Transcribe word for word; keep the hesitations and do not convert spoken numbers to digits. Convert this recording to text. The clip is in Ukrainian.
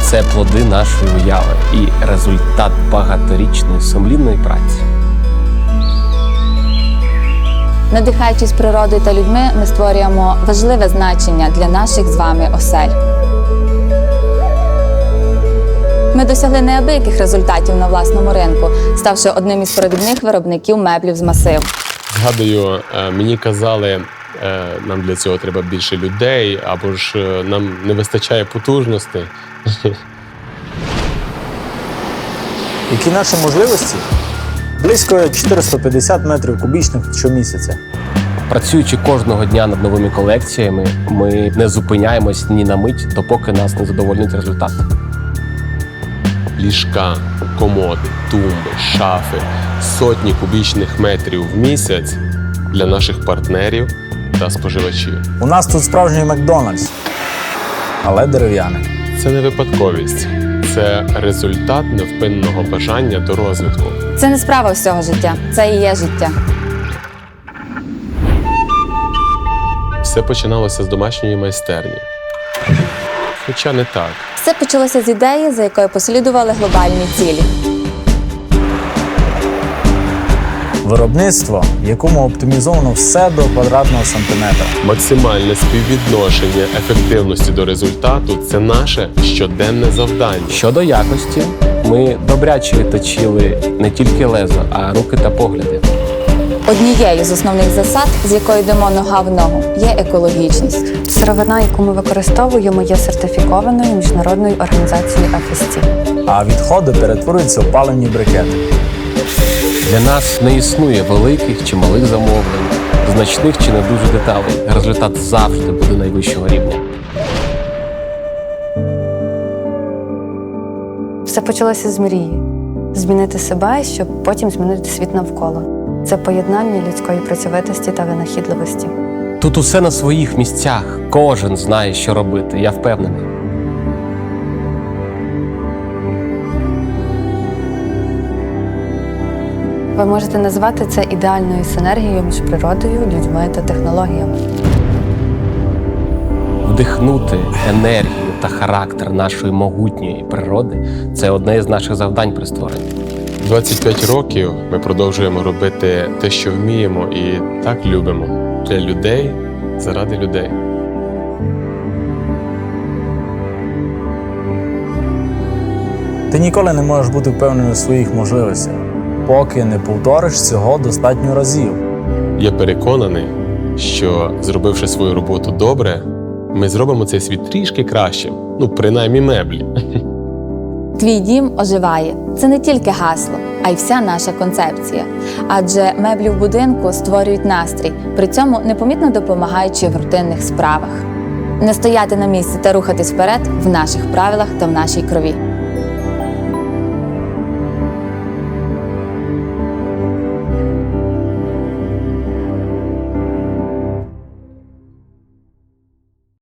Це плоди нашої уяви і результат багаторічної сумлінної праці. Надихаючись природою та людьми, ми створюємо важливе значення для наших з вами осель. Ми досягли неабияких результатів на власному ринку, ставши одним із провідних виробників меблів з масиву. Згадую, мені казали, нам для цього треба більше людей, або ж нам не вистачає потужностей. Які наші можливості? Близько чотириста п'ятдесят метрів кубічних щомісяця. Працюючи кожного дня над новими колекціями, ми не зупиняємось ні на мить, допоки нас не задовольнить результат. Ліжка, комоди, тумби, шафи, сотні кубічних метрів в місяць для наших партнерів та споживачів. У нас тут справжній Макдональдс, але дерев'яний. Це не випадковість. Це результат невпинного бажання до розвитку. Це не справа всього життя, це і є життя. Все починалося з домашньої майстерні. Хоча не так. Все почалося з ідеї, за якою послідували глобальні цілі. Виробництво, в якому оптимізовано все до квадратного сантиметра. Максимальне співвідношення ефективності до результату – це наше щоденне завдання. Щодо якості, ми добряче точили не тільки лезо, а руки та погляди. Однією з основних засад, з якою йдемо нога в ногу, є екологічність. Сировина, яку ми використовуємо, є сертифікованою міжнародною організацією еф ес ті. А відходи перетворюються в паливні брикети. Для нас не існує великих чи малих замовлень, значних чи не дуже деталей. Результат завжди буде найвищого рівня. Все почалося з мрії. Змінити себе, щоб потім змінити світ навколо. Це поєднання людської працьовитості та винахідливості. Тут усе на своїх місцях. Кожен знає, що робити, я впевнений. Ви можете назвати це ідеальною синергією між природою, людьми та технологіями. Вдихнути енергію та характер нашої могутньої природи – це одне із наших завдань при створенні. двадцять п'ять років ми продовжуємо робити те, що вміємо і так любимо. Для людей, заради людей. Ти ніколи не можеш бути впевнений у своїх можливостях, поки не повториш цього достатньо разів. Я переконаний, що, зробивши свою роботу добре, ми зробимо цей світ трішки кращим. Ну, принаймні меблі. Твій дім оживає. Це не тільки гасло, а й вся наша концепція. Адже меблі в будинку створюють настрій, при цьому непомітно допомагаючи в рутинних справах. Не стояти на місці та рухатись вперед в наших правилах та в нашій крові.